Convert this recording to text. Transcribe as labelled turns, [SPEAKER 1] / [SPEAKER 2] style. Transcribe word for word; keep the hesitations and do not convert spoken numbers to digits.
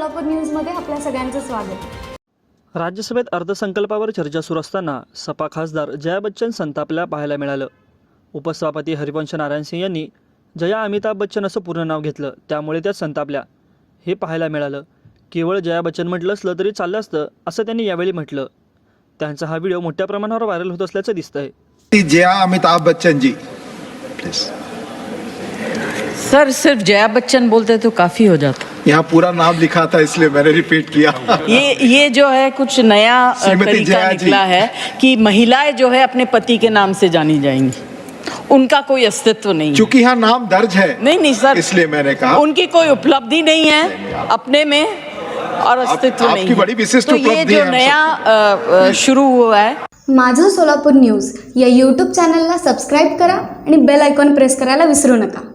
[SPEAKER 1] सोलापूर न्यूजमध्ये आपल्या सगळ्यांचं स्वागत।
[SPEAKER 2] राज्यसभेत अर्थसंकल्पावर चर्चा सुरू असताना सपा खासदार जया बच्चन संतापल्या पाहायला मिळालं। उपसभापती हरिवंश नारायण सिंह यांनी जया अमिताभ बच्चन असं पूर्ण नाव घेतलं, त्यामुळे त्या संतापल्या हे पाहायला मिळालं। केवळ जया बच्चन म्हटलं असलं तरी चाललं असतं असं त्यांनी यावेळी म्हटलं। त्यांचा हा व्हिडिओ मोठ्या प्रमाणावर व्हायरल होत असल्याचं दिसतंय।
[SPEAKER 3] जया अमिताभ बच्चन जी प्लीज।
[SPEAKER 4] सर सिर्फ जया बच्चन बोलते तो काफ़ी हो जाता।
[SPEAKER 3] यहाँ पूरा नाम लिखा था इसलिए मैंने रिपीट किया।
[SPEAKER 4] ये ये जो है कुछ नया तरीका निकला है कि महिलाएं जो है अपने पति के नाम से जानी जाएंगी, उनका कोई अस्तित्व नहीं।
[SPEAKER 3] चूंकि यहाँ नाम दर्ज है
[SPEAKER 4] नहीं नहीं सर,
[SPEAKER 3] इसलिए मैंने कहा
[SPEAKER 4] उनकी कोई उपलब्धि नहीं है अपने में और अस्तित्व
[SPEAKER 3] आप,
[SPEAKER 4] नहीं
[SPEAKER 3] आपकी बड़ी विशिष्ट
[SPEAKER 4] तो ये
[SPEAKER 3] उपलब्धि
[SPEAKER 4] जो
[SPEAKER 3] है
[SPEAKER 4] नया शुरू हुआ है।
[SPEAKER 1] माझं सोलापूर न्यूज या यूट्यूब चॅनलला सबस्क्राईब करा आणि बेल आयकॉन प्रेस करायला विसरू नका।